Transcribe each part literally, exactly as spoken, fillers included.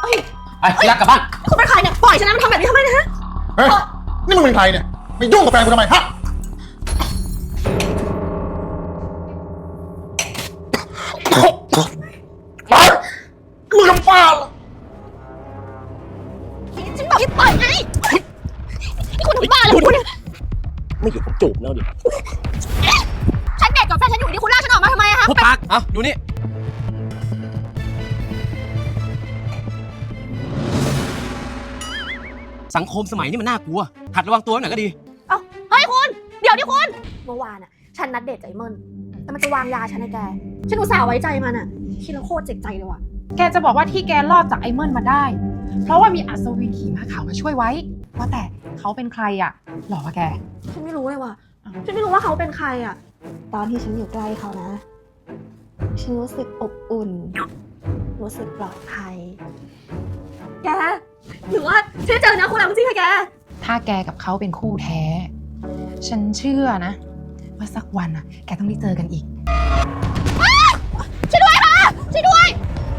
อ้ยไปพี่รักกลับบ้านคุณเป็นใครเนี่ยปล่อยฉันนะมันทำแบบนี้ทำไมนะฮะเฮ้ยนี่มึงเป็นใครเนี่ยไม่ยุ่งกับแฟนกูทำไมฮะไปมึงทำบ้าเหรอฉันบอกให้ปล่อยไงนี่คุณทำบ้าอะไรคุณเนี่ยไม่อยู่ผมจูบแล้วดิฉันเด็กกับแฟนฉันอยู่นี่คุณลากฉันออกมาทำไมอะคะพูดปากเอาอยู่นี่สังคมสมัยนี้มันน่ากลัวหัดระวังตัวหน่อยก็ดีเอ้าเฮ้ยคุณเดี๋ยวดิคุณเมื่อวานอะฉันนัดเดทใจเมิ่นแต่มันจะวางยาฉันให้แกฉันอุตส่าห์ไว้ใจมันอะคิดแล้วโคตรเจ็บใจเลยว่ะแกจะบอกว่าที่แกรอดจากไอ้เมินมาได้เพราะว่ามีอัศวินขี่ม้าขาวมาช่วยไว้ว่าแต่เขาเป็นใครอะหรอวะแกฉันไม่รู้เลยว่ะฉันไม่รู้ว่าเขาเป็นใครอะตอนที่ฉันอยู่ใกล้เขานะฉันรู้สึกอบอุ่นรู้สึกปลอดภัยแกหรือว่าฉันเจอนะคุณแล้วจริงค่ะแกถ้าแกกับเขาเป็นคู่แท้ฉันเชื่อนะว่าสักวันอะแกต้องได้เจอกันอีกช่วยด้วยค่ะช่วยด้วย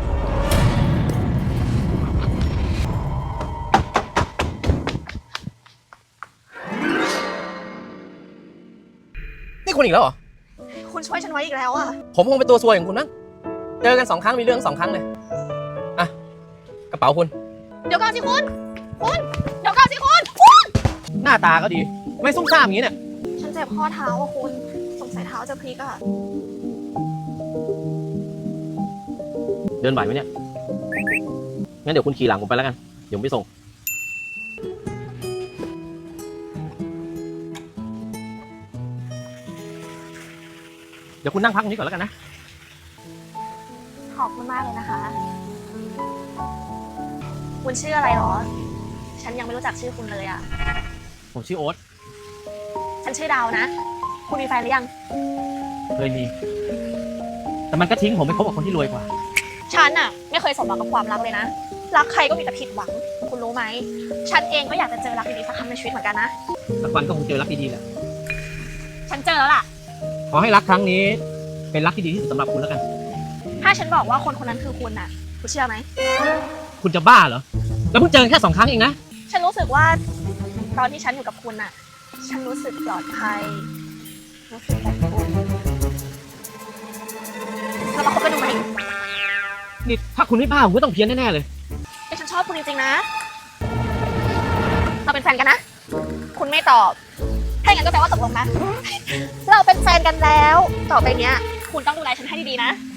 นี่คุณอีกแล้วเหรอคุณช่วยฉันไว้อีกแล้วอ่ะผมคงเป็นตัวซวยของคุณมั้งเจอกันสองครั้งมีเรื่องสองครั้งเลยอ่ะกระเป๋าคุณเดี๋ยวก่อนสิคุณคุณเดี๋ยวก่อนสิคุณคุณหน้าตาก็ดีไม่ซุ่มซ่ามอย่างนี้เนี่ยฉันเจ็บข้อเท้าอ่ะคุณสงสัยเท้าจะพลิกอ่ะเดินไหวไหมเนี่ยงั้นเดี๋ยวคุณขี่หลังผมไปแล้วกันเดี๋ยวผมไปส่งเดี๋ยวคุณนั่งพักตรงนี้ก่อนแล้วกันนะขอบคุณมากเลยนะคะคุณชื่ออะไรหรอฉันยังไม่รู้จักชื่อคุณเลยอ่ะผมชื่อโอ๊ตฉันชื่อดาวนะคุณมีแฟนหรือยังเคยมีแต่มันก็ทิ้งผมไปคบกับคนที่รวยกว่าฉันอะไม่เคยสมหวังกับความรักเลยนะรักใครก็มีแต่ผิดหวังคุณรู้ไหมฉันเองก็อยากจะเจอรักดีๆสักครั้งในชีวิตเหมือนกันนะสักวันก็คงเจอรักดีๆแหละฉันเจอแล้วล่ะขอให้รักครั้งนี้เป็นรักที่ดีที่สุดสำหรับคุณแล้วกันถ้าฉันบอกว่าคนคนนั้นคือคุณน่ะคุณเชื่อไหมคุณจะบ้าเหรอแล้วเพิ่งเจอแค่สองครั้งเองนะฉันรู้สึกว่าตอนที่ฉันอยู่กับคุณน่ะฉันรู้สึกปลอดภัยรู้สึกแบบอุ่นเรามาคบกันดูไหมนี่ถ้าคุณไม่บ้าผมก็ต้องเพี้ยนแน่ๆเลยแต่ฉันชอบคุณจริงๆนะเราเป็นแฟนกันนะคุณไม่ตอบถ้าอย่างนั้นก็แปลว่าตกลงนะเราเป็นแฟนกันแล้วต่อไปเนี้ยคุณต้องดูแลฉันให้ดีๆนะ